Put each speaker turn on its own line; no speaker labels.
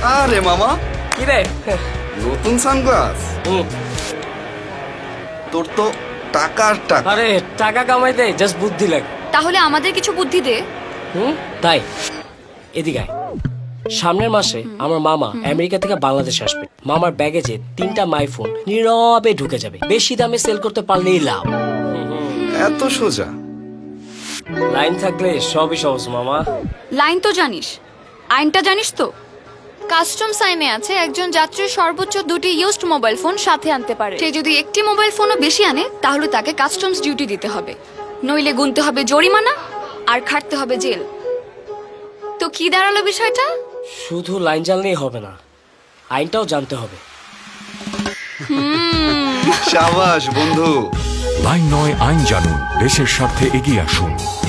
আরে মামা,
কি রে?
নতুন সানগ্লাস? তোর তো টাকা আর টাকা।
আরে টাকা কামাইতে জাস্ট বুদ্ধি লাগে।
তাহলে আমাদের কিছু বুদ্ধি দে।
তাই এদিকে আয়। সামনের মাসে আমার মামা আমেরিকা থেকে বাংলাদেশে আসবে। মামার ব্যাগেজে 3টা মাইফোন নীরবে ঢুকে যাবে। বেশি দামে সেল করতে পারলেই লাভ।
এত সোজা?
লাইন থাকলে সবই সহজ মামা।
লাইন তো জানিস, আইনটা জানিস তো?
কাস্টমস আইনে আছে একজন যাত্রী সর্বোচ্চ 2টি ইউজড মোবাইল ফোন সাথে আনতে পারে।
সে যদি একটি মোবাইল ফোনও বেশি আনে তাহলে তাকে কাস্টমস ডিউটি দিতে হবে, নইলে গুনতে হবে জরিমানা আর খাটতে হবে জেল। তো কি দাঁড়ালো বিষয়টা?
শুধু লাইন জানলেই হবে না, আইনটাও জানতে হবে।
সাবাস বন্ধু।
লাইন 9 আইন জানুন, দেশের স্বার্থে এগিয়ে আসুন।